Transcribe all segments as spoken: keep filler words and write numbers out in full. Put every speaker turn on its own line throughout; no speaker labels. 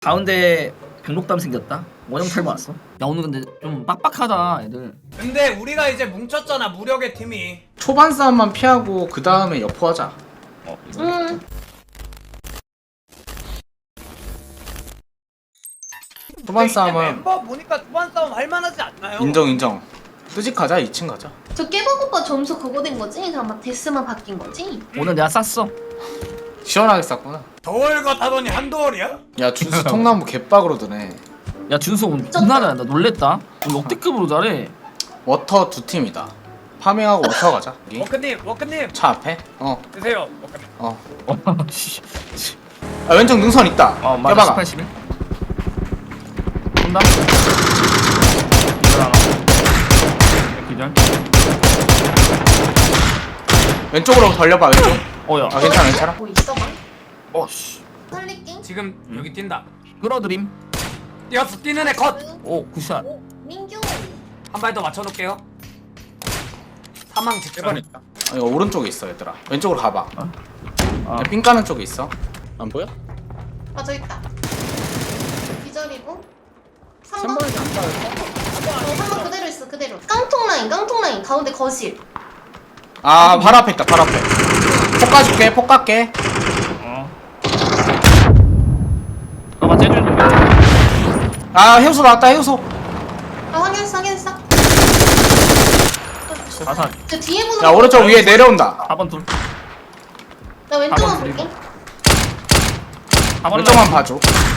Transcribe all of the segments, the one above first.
가운데 백록담 생겼다. 원형 탈모 왔어. 야 오늘 근데 좀 빡빡하다 애들.
근데 우리가 이제 뭉쳤잖아, 무력의 팀이.
초반 싸움만 피하고 그 다음에 여포하자.
어,
응.
초반
이제
싸움은
멤버 보니까 초반 싸움 할만하지 않나요?
인정 인정. 뜨직 가자. 이 층 가자.
저 깨박 오빠 점수 그거 된 거지? 그냥 막 데스만 바뀐 거지?
오늘 내가 쌌어.
시원하게 쌌구나.
더월 같다더니 한더월이야?
야 준수 통나무 개빡으로 드네.
야 준수 오늘 존나 잘한다. 놀랬다. 오늘 역대급으로 잘해.
워터 두 팀이다. 파밍하고 워터 가자. 여기
워크님, 워크님
차 앞에. 어
드세요. 워크님.
어.
어, 씨.
아, 왼쪽 능선 있다.
어 맞아.
깨박아.
십팔, 십일. 온다. 기절 하나. 기절.
왼쪽으로 돌려봐. 왼쪽.
어야.
아 괜찮아 괜찮아.
뭐 있어 봐?
어씨.
살릴게.
지금 여기 뛴다.
끌어들임.
뛰었어, 뛰는 애 컷.
오 굿샷.
오, 민규.
한 발 더 맞춰놓을게요. 사망 직전.
아, 이거 오른쪽에 있어 얘들아. 왼쪽으로 가봐.
아.
야, 삥 까는 쪽에 있어. 안 보여?
아, 저 있다. 기절이고. 삼
삼
번.
번이 안 따였어?
어, 삼 번 그대로 있어, 그대로. 깡통 라인, 깡통 라인. 가운데 거실.
아 바로 앞에 있다. 바로 앞에. 폭 까줄게. 폭 깎게.
어. 너가 째주는 거.
아 해우소 나왔다. 해우소.
아, 확인했어, 확인했어.
자산.
저 뒤에 보는
야
거
오른쪽 위에 내려온다.
사 번 둘.
나 왼쪽만
사 번
볼게.
사 번
왼쪽만 봐줘.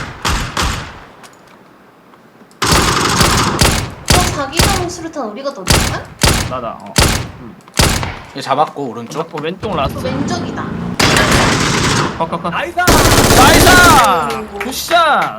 어, 자기장 수류탄 우리가 더 줄까?
나다. 어.
얘 잡았고 오른쪽.
잡고 왼쪽 라스트.
왼쪽이다.
컷컷컷.
나이스.
나이스! 굿샷!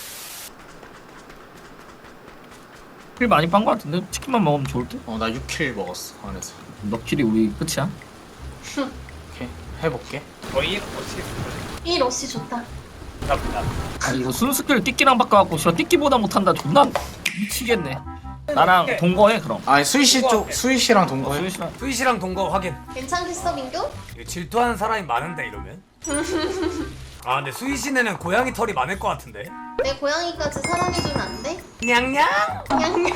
킬 많이 빤 거 같은데? 치킨만 먹으면 좋을 듯?
어 나 육 킬 먹었어 안에서.
너 킬이 우리 끝이야?
오케이 해볼게.
거의 어찌
이 러시 좋다.
나쁘다.
아 이거 순스킬 띠끼랑 바꿔갖고 저 띠끼보다 못한다 존나 미치겠네. 나랑 동거해 그럼.
아니 수희씨 쪽 수희씨랑 동거해.
수희씨랑
수희씨랑 동거 확인.
괜찮겠어, 민규?
이거 질투하는 사람이 많은데 이러면. 아 근데 수희씨네는 고양이 털이 많을 것 같은데.
내 고양이까지 사랑해주면 안 돼?
냥냥.
냥냥.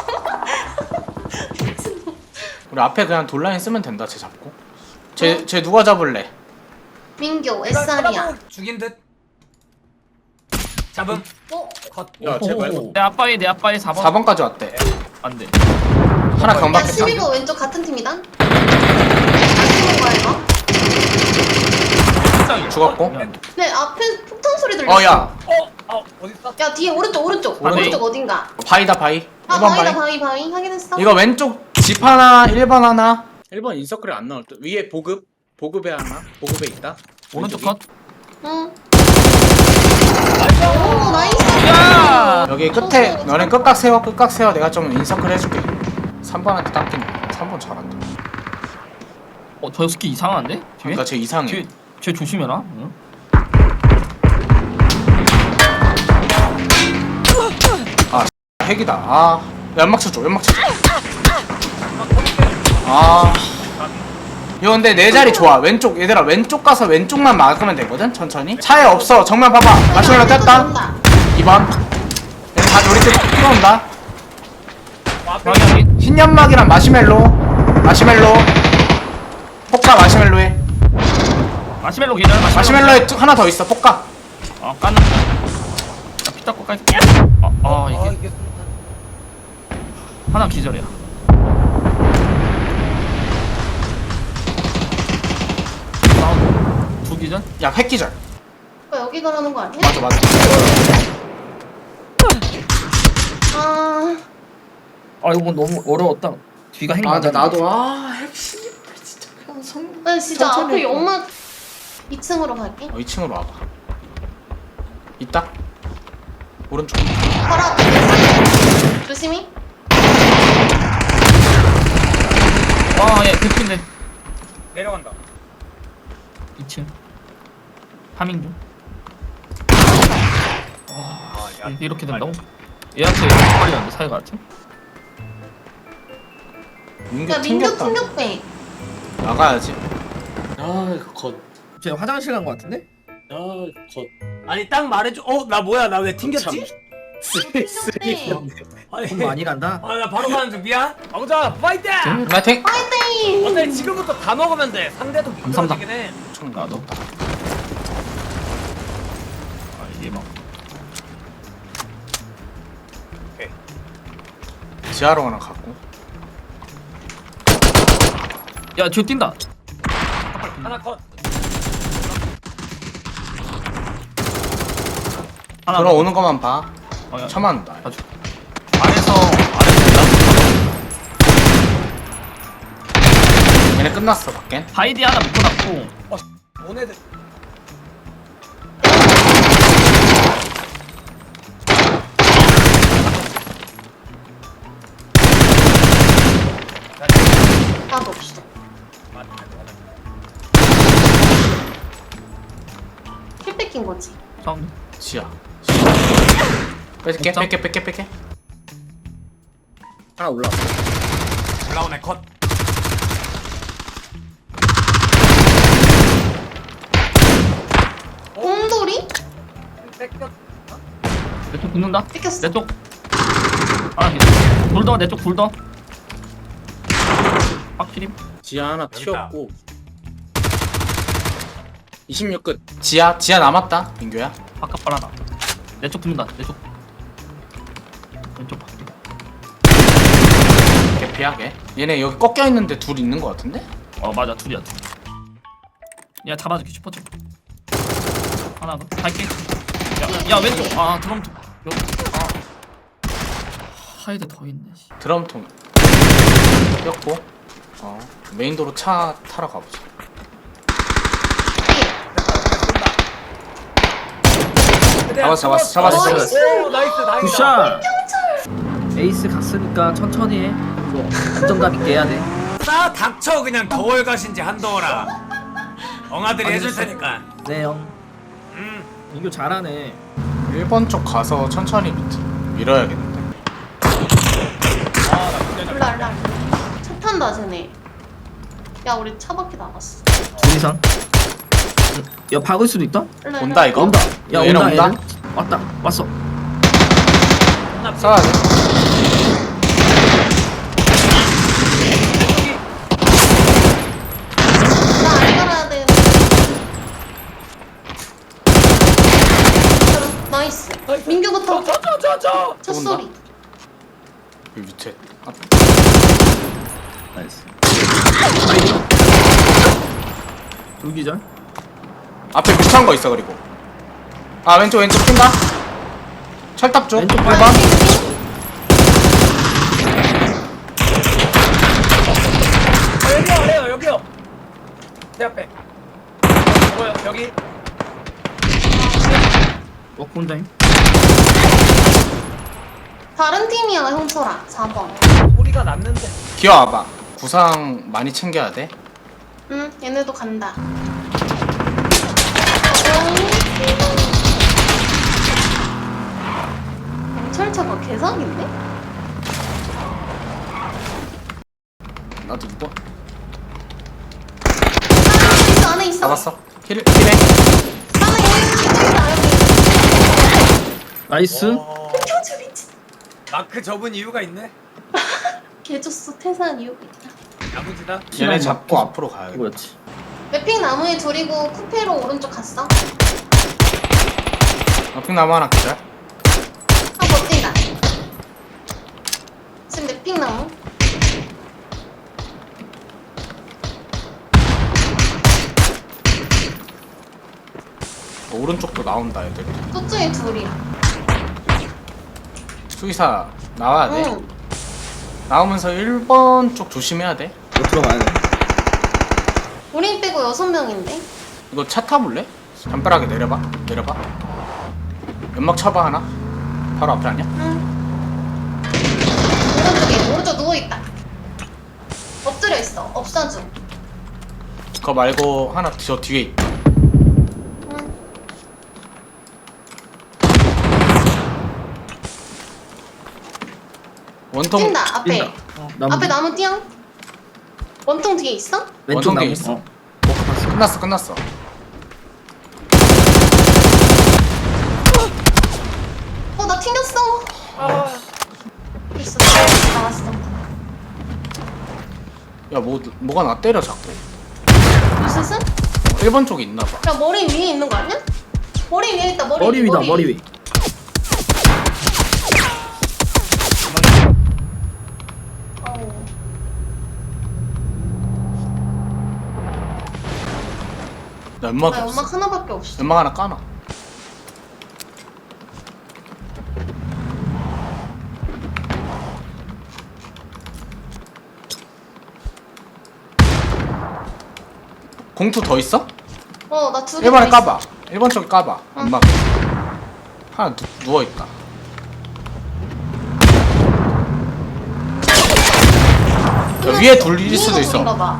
우리 앞에 그냥 돌라인 쓰면 된다. 쟤 잡고. 쟤 쟤 누가 잡을래?
민규, 에스알이야.
죽인 듯. 잡음.
어?
컷.
야, 쟤 말고.
내 아빠의 내 아빠의 사 번.
사 번까지 왔대.
안돼.
하나
야,
경박했다.
십이 번 왼쪽 같은 팀이다? 안 죽은 거야, 이거?
죽었고.
네, 앞에 폭탄 소리 들렸어.
어야
어, 어, 어디 있어?
야, 뒤에 오른쪽, 오른쪽.
바위.
오른쪽 어딘가.
바위다 바위.
아,
일 번
바위다,
바위.
바위, 바위. 확인했어?
이거 왼쪽 집 하나 일 번 하나. 일 번 인서클에 안 나올 듯. 위에 보급. 보급에 하나. 보급에 있다.
오른쪽
왼쪽이.
컷.
응. 오, 나이스.
야!
여기 끝에 너네 끝각 세워 끝각 세워. 내가 좀 인서클 해줄게. 삼 번한테 닦이네. 삼 번 잘한다.
어저 스키 이상한데? 뒤에?
그러니까 쟤 이상해.
뒤에 쟤 조심해라. 응?
핵이다. 아 연막 쳐줘. 연막 쳐줘. 아 이거 근데 내 자리 좋아. 왼쪽 얘들아 왼쪽 가서 왼쪽만 막으면 되거든. 천천히. 차에 없어. 정면 봐봐. 마시멜로 뗐다. 이 번. 다 우리 쪽 뛰어온다.
방향이
흰 연막이랑 마시멜로. 마시멜로. 폭가 마시멜로에.
마시멜로 기절.
마시멜로에 하나 더 있어. 폭가.
어 깐나. 피 닦고 깔. 아, 아 이게
아 이게
하나 기절이야. 다운 두 기절?
야 획기절.
오빠 여기 가라는 거 아니야?
맞아 맞아.
아,
아 이거 너무 어려웠다. 뒤가 행맞
아 근데 나도 아 핵심 진짜 그냥 성.
나 진짜
천천히
앞에
해봐.
연막 이 층으로 갈게.
어 이 층으로 와봐. 있다. 오른쪽.
바로 앞에 있어. 조심히.
아예 대피인데
내려간다.
이 층 파밍 중.
아, 야.
이- 이렇게 된다고? 얘한테 빨리 안돼 사이가 같아?
민규
야, 민규
튕겼다.
충격 빼.
나가야지. 아 이거 겉.
쟤 화장실 간 거 같은데?
아 이거 겉.
아니 딱 말해줘. 어 나 뭐야 나 왜 튕겼지?
쓰리 쓰리.
아니
돈 많이 간다.
아 나 바로 가는 중 미안. 왕자 파이팅!
파이팅!
파이팅!
어때 지금부터 다 먹으면 돼. 상대도 미끄러지긴 해.
총 나도.
아 이게 막
지하로 하나 갖고.
야 뒤에 뛴다.
하나 컷.
하나
들어오는 것만 봐.
어, 야,
쳐맞는다.
봐줘. 아래서 아래서
얘네 끝났어 밖엔.
바이디 하나 묶어놨고
모네드.
나도 없어. 킬 뺏긴 거지.
사운드.
지하. 뺄게
없죠?
뺄게 뺄게 뺄게.
하나 올라왔어.
올라오네 컷.
곰돌이?
뺏겼.
내쪽 붙는다.
뺏겼어.
내쪽. 아 불더 내쪽 불더. 확실히.
지하 하나
여기
튀었고. 이십육 끝.
지하 지하 남았다 민규야.
바깥 바라다. 내쪽 붙는다. 내쪽. 왼쪽 바퀴.
개피하게. 얘네 여기 꺾여 있는데 둘 있는 것 같은데?
어 맞아 둘이야 둘. 야 잡아줄게 슈퍼점. 하나 더 갈게. 야, 야 왼쪽. 아 드럼 여기. 아 하이드 더 있네. 씨.
드럼통 꼈고. 어 메인도로 차 타러 가보자. 잡았어 잡았어 잡았어.
나이스.
오 나이스 나이스.
굿샷. 에이스 갔으니까 천천히 해. 이거 안정감 있게 해야 돼.
싸 닥쳐 그냥 겨월 가신지 한동어라. 엉아들이 해줄 테니까.
네 형.
음.
이거 잘하네.
일 번 쪽 가서 천천히 밑 밀어야겠는데.
올라 올라. 차 탄다 쟤네. 야 우리 차 밖에 나갔어.
둘 이상. 야 박을 수도 있다.
올라,
온다
올라.
이거?
온다. 야
얘네
온다
온다?
얘는. 왔다. 왔어.
쏴야 돼.
나안 갈아야 돼. 나이스. 민규부터.
저저저.
첫
온다.
소리.
이 밑에. 아,
나이스. 둘기절.
앞에 밑한 거 있어 그리고. 아 왼쪽 왼쪽 뛴다. 철탑 쪽.
왼쪽
일
봐야
번.
어, 여기요 여기요 여기요. 내 앞에. 뭐야 여기.
워크 혼자임.
다른 팀이야 형철아. 사 번.
소리가 났는데.
기어와봐. 구상 많이 챙겨야 돼.
응 얘네도 간다. 경찰차가 개사기인데?
나도 이거
안에 있어 안에 있어.
잡았어. 힐 힐해.
안에 여기 있다 여기.
나이스.
어,
교주 미친.
마크 접은 이유가 있네.
개줬어 태산 이유가 있다.
야무지다.
얘네 잡고 앞으로 가야겠다.
이거였지.
맵핑 나무에 둘이고 쿠페로 오른쪽 갔어.
앞핑 나무 하나 기절.
아 버틴다. 지금 맵핑 나무.
오른쪽도 나온다 애들.
저쪽에 둘이야.
수의사 나와야 돼.
응.
나오면서 일 번 쪽 조심해야 돼.
이거 들어가야 돼.
우린 빼고 여섯 명인데.
이거 차 타볼래? 담벼락에 내려봐. 내려봐. 연막 쳐봐 하나. 바로 앞에 아니야?
응. 오른쪽에 오른쪽 누워 있다. 엎드려 있어. 업사주.
그거 말고 하나 저 뒤에 있다.
응.
원통
뛴다 앞에.
뛴다. 나무
앞에 나무 띄어. 원통 뒤에 있어?
왼쪽
원통 뒤에
나무.
있어.
어.
끝났어 끝났어.
어, 나 튕겼어.
아.
됐어, 나왔어.
야 뭐, 뭐가 나 때려 자꾸.
무슨?
일 번 쪽에 있나봐.
야, 머리 위에 있는 거 아니야? 머리 위에 있다, 머리,
머리 위다 머리 위.
어우.
나 연막이
나
없어.
연막 하나밖에 없어.
연막 하나 까놔. 공투 더 있어?
어, 나 두 개.
일 번에
더 있어.
까봐. 일 번 쪽에 까봐.
응.
연막. 하나 누, 누워있다. 야, 위에 둘일 수도 있어.
위에가 봐.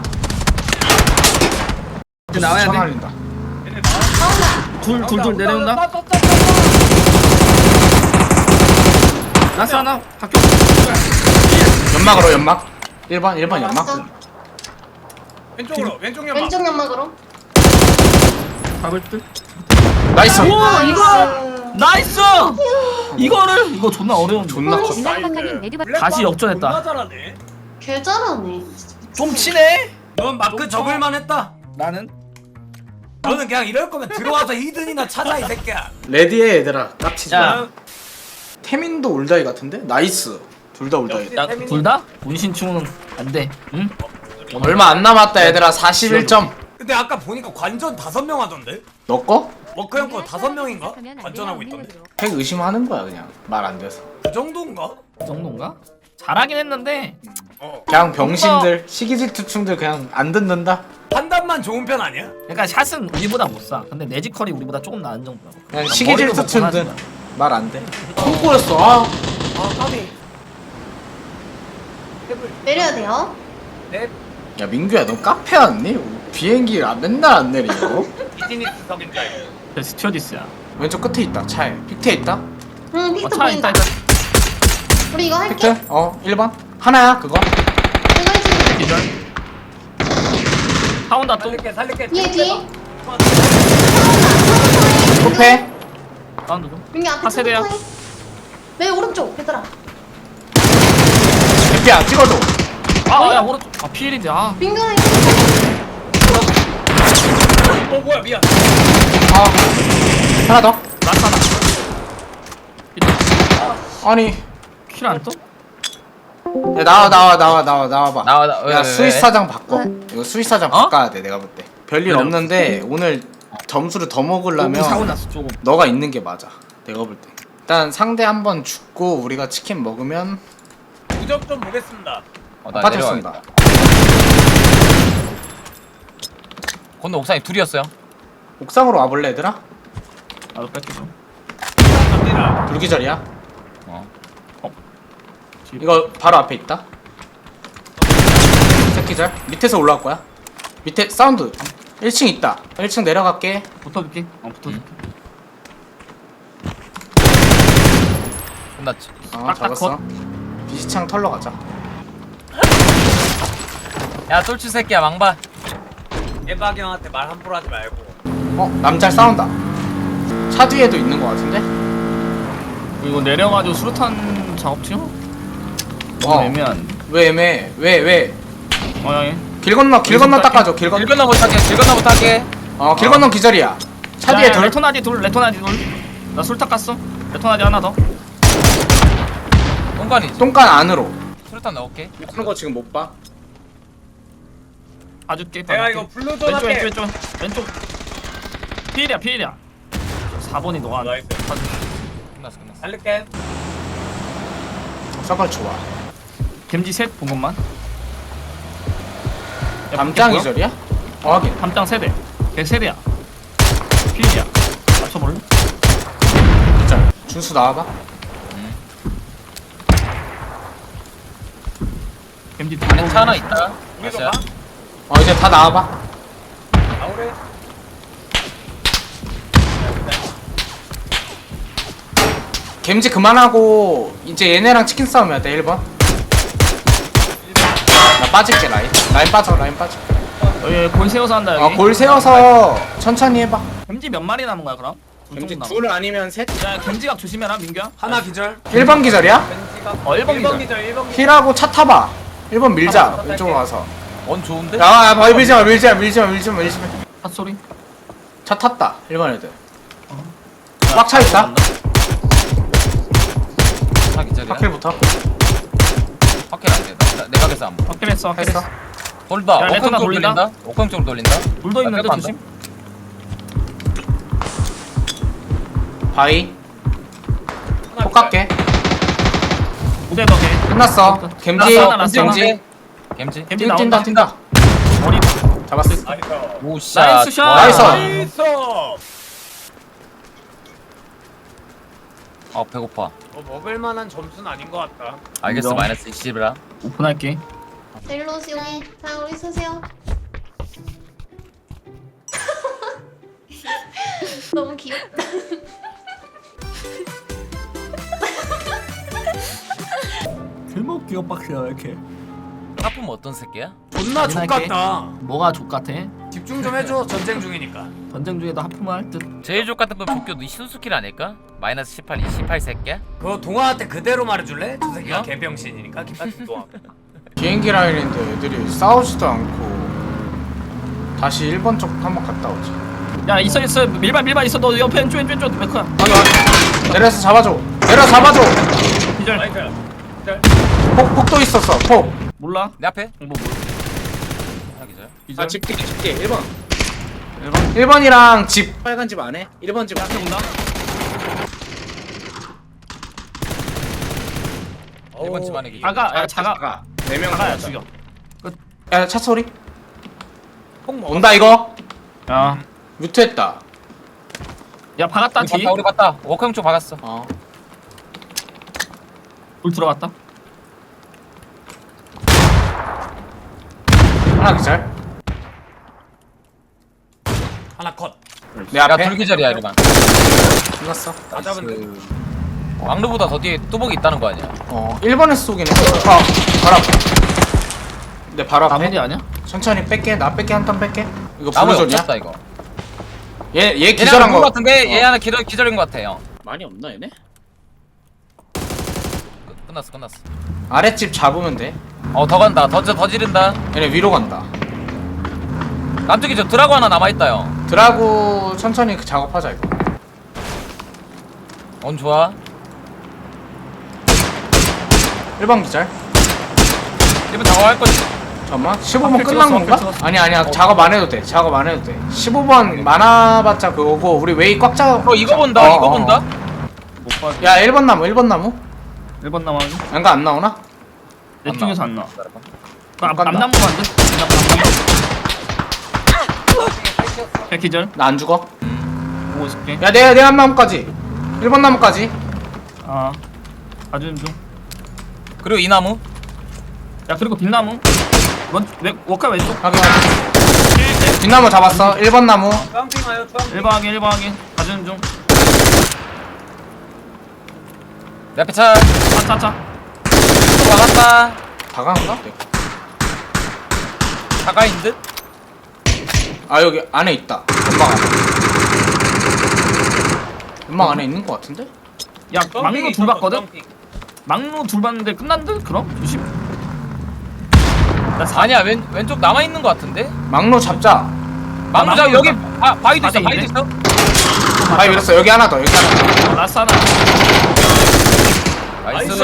이제 나와야 돼.
날린다.
나온다.
둘 둘 둘 내려온다. 라스 하나 바뀌어.
연막으로 연막. 일 번 일 번 연막.
왔어.
왼쪽으로 왼쪽 연막.
왼쪽 연막으로.
잡을 듯.
나이스.
오 이거
나이스.
나이스. 이거를 이거 존나 어려운.
존나 컸어.
지난번까지 레드바
다시 역전했다.
존나 잘하네.
개 잘하네.
좀 치네.
넌 마크 접을만 했다.
나는
너는 그냥 이럴 거면 들어와서 히든이나 찾아 이 새끼야.
레디해 얘들아. 깝치지 마.
야.
태민도 올다이 같은데? 나이스. 둘 다 올다이.
역시.
야 둘 다 문신충은 안 돼. 응?
얼마 안 남았다 얘들아. 사십일 점.
근데 아까 보니까 관전 다섯 명 하던데?
너 거?
워크 형거 다섯 명인가? 관전하고 있던데?
핵 의심하는 거야 그냥. 말 안 돼서.
그 정도인가?
그 정도인가? 잘하긴 했는데
어.
그냥 병신들, 시기질투충들 그냥 안 듣는다.
판단만 좋은 편 아니야?
그러니까 샷은 우리보다 못 쏴. 근데 내지컬이 우리보다 조금 나은 정도라고.
그냥
머리도
시기질투충들
먹고
말 안 돼. 손꼬였어. 아.
아 까비.
내려야 돼요.
네.
야 민규야 너 카페 왔니? 비행기 아, 맨날 안 내리고.
비즈니스 석인 줄 알고.
그 스튜어디스야.
왼쪽 끝에 있다. 차에. 픽트에 있다.
응,
어,
픽트
차
보인다.
있다 있다.
우리 이거 할게.
픽트? 어 일 번. 하나야 그거.
이거 해줄게.
기절. 사온다 또.
살릴게 살릴게.
뒤에, 뒤에.
코페.
사운드 좀.
민기 앞에
파세대야.
차부터 해. 내 오른쪽, 얘들아.
개피야 찍어줘.
아야 오른쪽. 아 피일인데 아.
민규가
어 뭐야 미안.
아 하나 더.
라스 하나.
아니
킬안 떠?
야, 나와 나와 나와 나와 나와봐.
나와, 나- 왜,
야
왜,
스위스
왜?
사장 바꿔.
왜?
이거 스위스 사장
어?
바꿔야 돼 내가 볼 때. 별일
왜요?
없는데 오늘 점수를 더
우리
먹으려면
사고 났어 조금.
너가 있는 게 맞아. 내가 볼 때. 일단 상대 한번 죽고 우리가 치킨 먹으면
부적 좀 보겠습니다.
어, 나
아파트
내려가겠다.
쏜다.
건너 옥상에 둘이었어요.
옥상으로 와볼래 얘들아?
나도 뺄게 좀.
갑니다.
불기절이야.
어.
이거 바로 앞에 있다. 새끼절 밑에서 올라올 거야. 밑에 사운드. 일 층 있다. 일 층 내려갈게.
붙어줄게. 어 붙어줄게.
끝났지.
어
딱, 딱
잡았어. 비시창 털러 가자.
야 똘추 새끼야 망봐.
예박이 형한테 말 함부로 하지 말고.
어 남잘 싸운다. 차 뒤에도 있는 거 같은데?
이거 내려가지고 수류탄 작업 중? 너무
어.
애매한.
왜 애매해? 왜 왜?
어 형이.
길 건너 길 건너 닦아줘. 길 건너.
길 건너 못하게 길 건너 못하게.
어길 건너 기절이야. 차 뒤에 둘.
레토나디 둘, 레토나디 둘. 나 술 닦았어. 레토나디 하나 더.
똥간이지.
똥간 안으로.
수류탄 넣을게.
하는 거 지금 못 봐.
봐줄게.
내가
봐줄게.
이거 블루 좀
왼쪽
할게.
왼쪽 왼쪽 왼쪽. 피일이야 피일이야. 사 번이 너가.
나이스.
봐줄게.
끝났어 끝났어.
살릴게.
서클 좋아.
겜지 셋 본 것만. 야,
담장
뭐야?
기절이야? 어 확인.
담장 세대. 걔 세대야. 피일이야. 맞춰볼래?
기절. 준수 나와봐.
겜지
안에 차 하나 있다.
우리가
맞아요.
봐.
어 이제 다 나와봐.
나오래.
겜지 그만하고 이제 얘네랑 치킨 싸움 해야 돼. 일 번. 나 빠질게 라인. 라인 빠져 라인 빠져.
여기 골 세워서 한다 여기.
어, 골 세워서 천천히 해봐.
겜지 몇 마리 남은 거야 그럼?
겜지
남아.
둘 아니면 셋?
야 겐지각 조심해라 민규야.
하나 기절.
일 번 기절이야?
어 일 번 기절.
기절 일 번 기절.
힐하고 차 타봐 일 번 밀자 왼쪽으로 가서
원 좋은데?
야, 야, 바위 밀지마, 밀지마, 밀지마, 밀지마, 밀지마.
핫소리.
차 탔다, 일 번 애들. 꽉 차 있다.
차 기절이야.
파킬부터.
확킬 안 돼. 나- 내가 계산 안 봐.
확실했어 확실했어.
했어.
돌다.
야,
옥황
레토나
쪽으로
돌린다?
돌린다. 옥황 쪽으로 돌린다.
물도 있는데
나
조심.
바위. 폭 갈게.
무대 덕에.
끝났어. 겜지,
끝났어, 끝났어.
겜지.
겜지.
겜지
뛴다,
나온다.
뛴다.
머리.
잡았어.
오 샷.
나이스 샷.
와.
나이스.
나이스.
아 배고파.
어, 먹을 만한 점수는 아닌 것 같다.
알겠어.
인정.
마이너스 이십이라.
오픈할게.
자, 일로 오시오. 자, 우리 서세요. 너무 귀엽다.
제목 기억 박스야 이렇게.
하품 어떤 새끼야?
존나 족같다.
뭐가 족같아?
집중 좀 해줘. 전쟁 중이니까.
전쟁 중에도 하품을 할 듯.
제일 족 같은 건 조교 너 순수킬 아닐까? 마이너스 십팔, 이십팔 새끼야?
그거 동아한테 그대로 말해줄래? 저 새끼가
어?
개병신이니까 김같은 동아.
비행기 라인인데 애들이 싸우지도 않고. 다시 일 번 쪽 한번 갔다 오지.
야 있어 있어 밀반 밀반 있어 너 옆에 왼쪽 왼쪽 왼쪽 메커야.
확인, 확인. 내려서 잡아줘. 내려 잡아줘.
기절.
폭, 폭도 있었어, 폭.
몰라.
내 앞에?
뭐 뭐.
하나 기절.
기절.
집게, 집게. 일 번.
일 번.
일 번이랑 집. 빨간 집 안에? 일 번 집
앞에 온다.
일번 집 안에 기절.
자가 야 자가.
네 명.
자가야 죽여.
야, 차 소리.
폭 먹어.
온다, 이거.
야.
뮤트했다.
야 박았다
우리
뒤.
봤다. 우리 봤다. 옥황 쪽 박았어.
어.
돌 들어갔다.
하나 기절.
하나 컷.
내
야
앞에.
둘기절이야 이러면.
끝났어.
다 잡은 데.
왕루보다 더 뒤에 뚜벅이 있다는 거 아니야?
어, 일 번에 쏘긴 해. 아, 바로 앞에. 내 바로 앞에.
나머지 아니야?
천천히 뺄게. 나 뺄게. 한 턴 뺄게. 이거
나무에
블루존이야?
없었다 이거.
얘, 얘
얘네 하나
기절한
거
거.
같은데 얘
어.
하나 기절 기절인 거 같아 형.
많이 없나 얘네?
끝- 끝났어 끝났어.
아랫집 잡으면 돼.
어 더 간다. 더 더 지른다.
얘네 위로 간다.
남쪽에 저 드라고 하나 남아 있다 형.
드라구 천천히 그 작업하자 이거.
온 좋아.
일 번 기절.
일본 작업할 거지.
잠깐만. 십오 번
앞에
끝난
찍었어,
건가?
앞에 찍었어.
아니 아니야. 작업 안 해도 돼. 작업 안 해도 돼. 십오 번 많아봤자 그거고 우리 웨이 꽉 짜.
어 이거 본다.
어,
이거
어,
본다.
어.
못 봐.
야, 일 번 나무. 일 번 나무.
일 번 남아.
안가 안 나오나?
내
안
쪽에서
나와.
안 나와.
기다려봐.
그 앞-
간다.
남남부만 돼. 남남부. 야 기절.
나 안 죽어.
보고 있을게.
야, 내, 내 한 나무까지. 일 번 나무까지.
아. 봐주는 중.
그리고 이 나무.
야 그리고 빛나무. 원 왼, 워카 왼쪽.
확인, 확인. 뒷나무 잡았어. 일 번 나무.
주황핑 와요. 주황핑.
일 번 확인 일 번 확인. 봐주는 중.
내 앞에 차.
차차차.
박았다.
다 가는가?
가까이인 듯.
아, 여기 안에 있다. 연막 안에. 연막 안에 있는 거 같은데?
야 막루 둘 봤거든. 막루 둘 봤는데 끝난 듯 그럼 조심. 나 사.
아니야 왼 왼쪽 남아 있는 거 같은데.
막로 잡자.
막무자
막루
여기
있다.
바, 바위도 있어.
바위
바위도
있네.
있어.
바위 밀었어. 여기 하나 더. 여기 하나 더.
라스 하나.
나이스.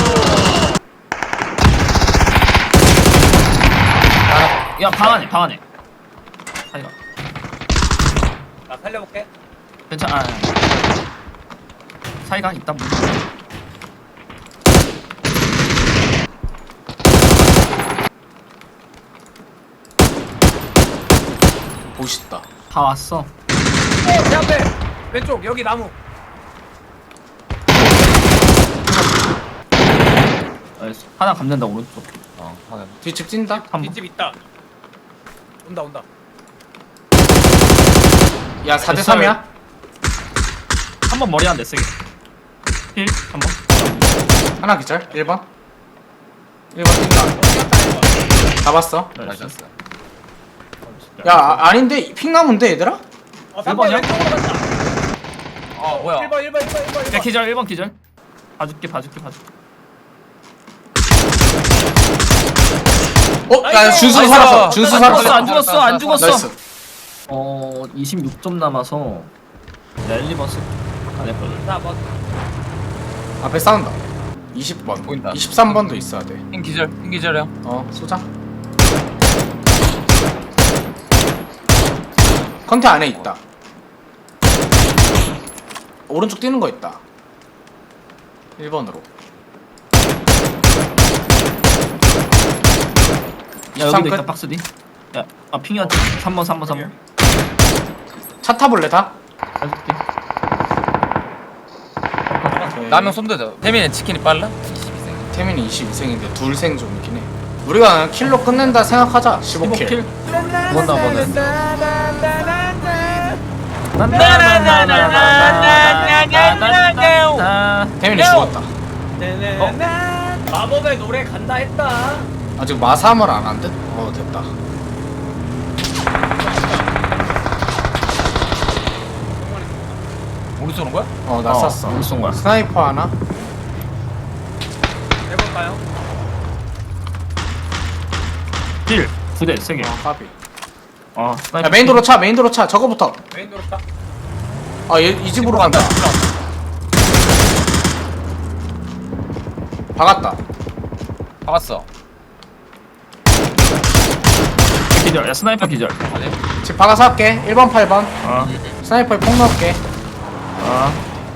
야방 안에 방 안에. 아이가.
나 살려볼게.
괜찮아. 아, 사이가 있다 뭐.
멋있다.
다 왔어.
내 앞에. 왼쪽 여기 나무.
알겠어. 하나 감는다 오른쪽.
어 확인.
뒤집 찐다.
한 번.
뒷집 있다. 온다 온다.
야, 사 대 삼이야?
한 번 머리 안 돼 세게. 힐 한 번.
하나 기절. 일 번. 일 번 뛴다. 잡았어.
나이스.
나이스.
야, 아, 아닌데 핑나무인데 얘들아?
어,
일 번이야?
왼쪽으로 간다.
어 뭐야?
일 번 일 번 일 번 일 번 일
야
번.
기절 일 번 기절. 봐줄게 봐줄게 봐줄게.
어? 야 준수
나이스.
살았어 준수
안
살았어
죽었어 안 죽었어 안 죽었어.
나이스
어 이십육 점 남아서 랠리버스 안 했거든.
자, 뭐.
앞에 싸운다 이십 번
보인다.
이십삼 번도 있어야 돼어
흰 기절, 흰 기절이야.
쏘자 컨테 안에 있다 오른쪽 뛰는 거 있다 일 번으로
야
십삼
여기도
끝.
있다 박스 뒤. 야아 핑이었지. 삼 번 삼 번 삼 번.
차 타볼래 다?
봐줄게.
오케이.
라면 쏜대죠. 태민은 치킨이 빨라? 이십이 생.
태민이 이십이 생인데 둘 생존이긴 해 우리가 그냥 킬로 끝낸다 생각하자 십오 킬
킬. 뭔나 보네.
태민이 죽었다
마법의 노래 간다 했다.
아직 마삼을 안 한 듯? 어 됐다
우리 쏘는 거야?
어나
어,
쐈어
우리 쏜 거야.
스나이퍼 하나
해볼까요?
킬. 두 대, 세 개.
아 까비
어,
야 메인도로 차 메인도로 차 저거부터
메인 도로 딱.
아 얘 이 집으로 간다 박았다
박았어.
기절. 야, 스나이퍼 기절.
아니?
집 박아서 할게 일 번 팔 번
어,
스나이퍼에 폭 넣을게
어.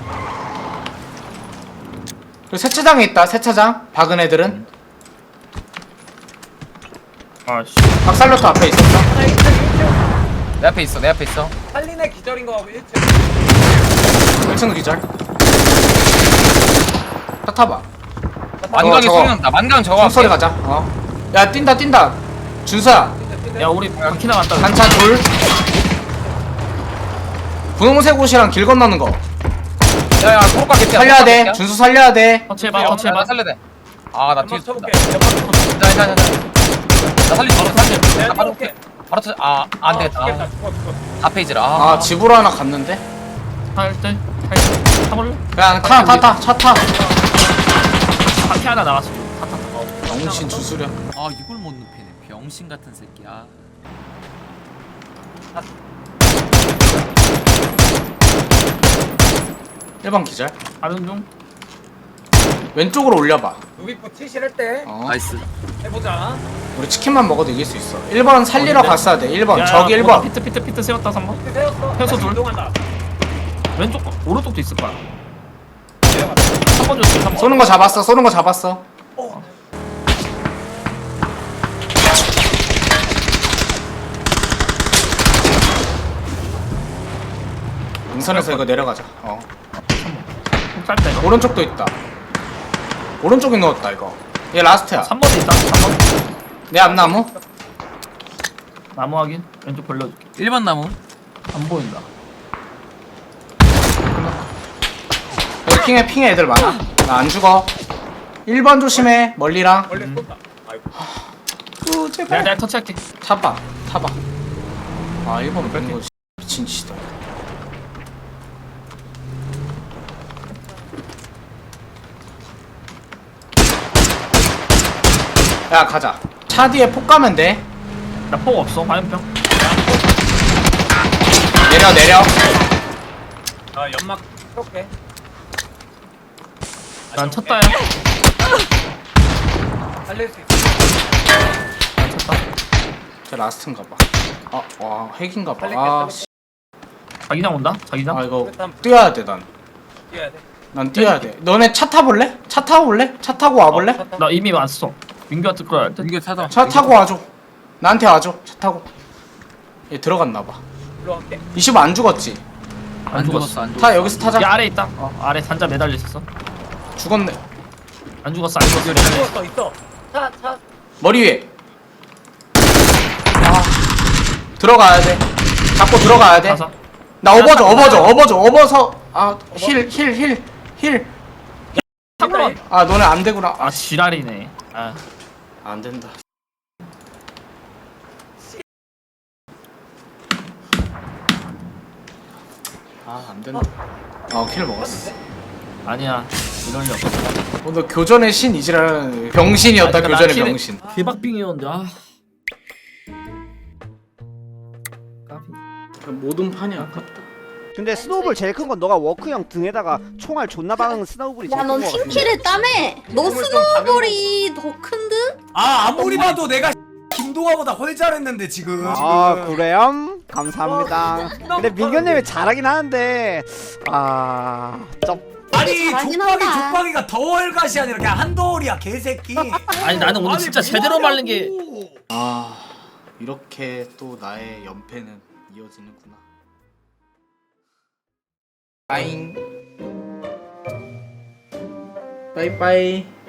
그리고 세차장에 있다 세차장 박은 애들은
아, 씨.
박살로트 앞에 있었어
하나 일 층 일 층.
내 앞에 있어, 내 앞에 있어.
살린의 기절인 거 일 층.
일 층 기절 차 타봐
만강이
저거.
소리 난다. 만강 저거.
총소리
할게.
가자 어야 뛴다 뛴다 준서야
야, 우리 바퀴 나갔다.
단차 둘 분홍색 옷이랑 길 건너는 거
야야, 코로카 개피야.
살려야 돼 준수 살려야 돼
터치해봐,
나
터치해봐.
살려야 돼. 아, 나
연막
뒤에
쳐볼게.
쏜다.
연막
자, 자, 자, 자. 나 살리지 바로 살려.
내가
나 바로
쳐볼게.
바로 쳐. 아, 안 되겠다.
죽겠다.
아,
죽어 죽어.
앞페이지라.
아
아,
집으로 하나 갔는데
탈 때, 탈 때. 타볼래?
그냥 타 타 타 차 타
바퀴 하나 나왔어. 타, 타.
영신 주수려
아, 이걸 못 눕히네. 병신 같은 새끼야.
일 번 기절
다른 중.
왼쪽으로 올려봐
누비포 칠실할 때
어.
나이스.
해보자.
우리 치킨만 먹어도 이길 수 있어 일 번 살리러
어딘데?
갔어야 돼 일 번
야,
저기 일
보다
번
피트, 피트, 피트 세웠다, 삼 번.
세웠어.
세웠어,
다시
둘.
이동한다.
왼쪽, 거, 오른쪽도 있을 거야.
내려갔다.
삼 번 줄게, 삼 번.
쏘는 거 잡았어 쏘는 거 잡았어
어.
인선에서 이거 내려가자 어
짧다, 이거.
오른쪽도 있다 오른쪽에 누웠다 이거 얘 라스트야
삼 번도 있다, 삼 번.
내 앞나무
나무 확인. 왼쪽 벌려줄게.
일 번 나무.
안 보인다.
여기 핑에 핑에 애들 많아 나 안 죽어 일 번 조심해 멀리랑
원래 쏜다. 아이고.
우
내가,
제발
내가 터치할게.
타봐 타봐 아 일 번 뺀거 미친 짓이다 야 가자 차 뒤에 폭 가면 돼
나 폭 없어, 화염병.
내려 내려
아 연막 쏠게.
난 쳤다, 야.
살릴 수 있어.
난 쳤다.
저 라스트인가 봐. 아, 와, 핵인가 봐.
빨리
아,
깼어,
씨.
자기장 온다? 자기장?
아 이거
일단
뛰어야 돼, 난.
뛰어야 돼.
난 뛰어야 돼. 너네 차 타볼래? 차 타고 올래? 차 타고 와볼래?
어,
나 이미 왔어. 민규한테 끌어야 할 듯.
이게 타다.
차 타고 와줘. 나한테 와줘. 차 타고. 얘 들어갔나 봐.
일로 갈게.
이십오 안 죽었지?
안 죽었어, 안 죽었어.
타 여기서 타자.
야, 아래 있다. 어, 아래 단자 매달려 있었어.
죽었네.
안 죽었어, 안 죽었어. 매달려 있어.
죽었어 있어. 차 차.
머리 위에. 아, 들어가야 돼. 잡고 들어가야 돼.
가서.
나 업어줘, 업어줘, 업어줘, 업어서. 아, 힐, 힐, 힐, 힐.
잠깐만.
아, 너네 안 되구나.
아, 지랄이네. 아,
안 된다. 아, 안 된다. 어킬 먹었어.
아니야 이럴 리 없어.
어, 너 교전의 신 이지라는 병신이었다.
아니,
교전의
나
병신.
개박빙이었는데 아. 까비.
모든 판이 아깝다.
근데 스노우볼 제일 큰 건 너가 워크형 등에다가 총알 존나 박은 스노우볼이 제일
야넌
큰거 같아.
팀킬을 따매. 너 스노우볼이 더 큰데?
아 아무리 봐도 내가 김동아보다 훨 잘했는데 지금.
아 그래요? 감사합니다. 근데 민규님이 잘하긴 하는데 아... 쩝.
아니
잘하긴
족박이
한다.
족박이가 더월갓이 아니라 그냥 한더월이야 개새끼.
아니 나는 오늘
아니,
진짜 제대로
뭐하냐고.
말린 게
아 이렇게 또 나의 연패는 이어지는구나. 빠잉. 빠이빠이.